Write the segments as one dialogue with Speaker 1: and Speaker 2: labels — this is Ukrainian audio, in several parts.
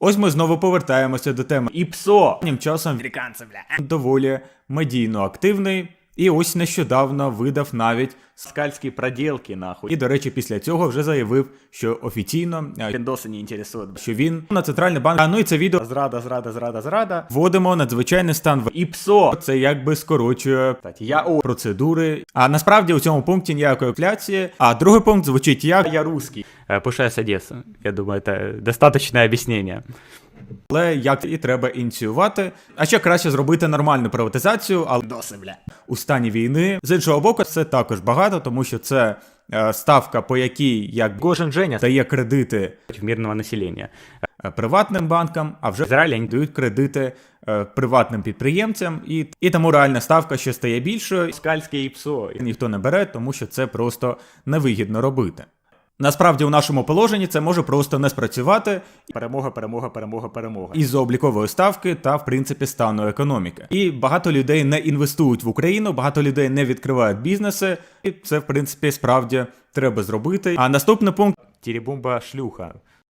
Speaker 1: Ось ми знову повертаємося до теми. І ПСО тим часом американці, доволі медійно активний. І ось нещодавно видав навіть скальські проділки, нахуй. І, до речі, після цього вже заявив, що офіційно
Speaker 2: Піндоси не інтересують.
Speaker 1: що він на центральний банк. Ну і це відео зрада. Вводимо надзвичайний стан в
Speaker 2: ІПСО.
Speaker 1: Це якби скорочує процедури. А насправді у цьому пункті ніякої інфляції. А другий пункт звучить як
Speaker 2: Я русский. Пуша с Одессы. Я думаю, это достаточное объяснение.
Speaker 1: але як і треба ініціювати. А ще краще зробити нормальну приватизацію, але
Speaker 2: Досы, бля.
Speaker 1: у стані війни. З іншого боку, це також багато, тому що це ставка, по якій як
Speaker 2: Гожин Женя
Speaker 1: дає кредити
Speaker 2: мирного населения.
Speaker 1: приватним банкам, а вже
Speaker 2: В Израиле они
Speaker 1: дають кредити приватним підприємцям, і тому реальна ставка ще стає більшою.
Speaker 2: скальские ИПСО.
Speaker 1: Ніхто не бере, тому що це просто невигідно робити. Насправді, у нашому положенні це може просто не спрацювати
Speaker 2: Перемога.
Speaker 1: із-за облікової ставки та, в принципі, стану економіки. І багато людей не інвестують в Україну, багато людей не відкривають бізнеси, і це, в принципі, справді треба зробити. А наступний пункт.
Speaker 2: Теребумба шлюха.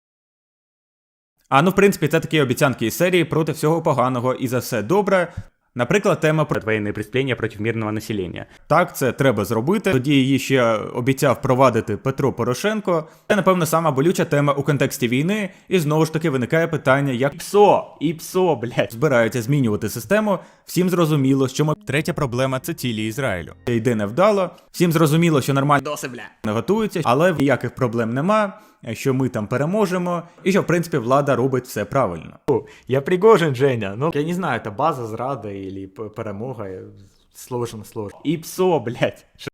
Speaker 1: В принципі, це такі обіцянки із серії проти всього поганого і за все добре. Наприклад, тема про
Speaker 2: Военные преступления против мирного населения.
Speaker 1: так, це треба зробити. Тоді її ще обіцяв впровадити Петро Порошенко. Це, напевно, сама болюча тема у контексті війни. І знову ж таки виникає питання, як
Speaker 2: ІПСО, блядь.
Speaker 1: збираються змінювати систему. Всім зрозуміло, що третя проблема – це цілі Ізраїлю. Йде невдало. Всім зрозуміло, що нормально
Speaker 2: Досы, бля.
Speaker 1: не готуються, але ніяких проблем нема, що ми там переможемо, і що, в принципі, влада робить все правильно.
Speaker 2: Я Пригожин Женя. Ну, я не знаю, это база зрада или перемога. Сложно. ИПСО, блядь.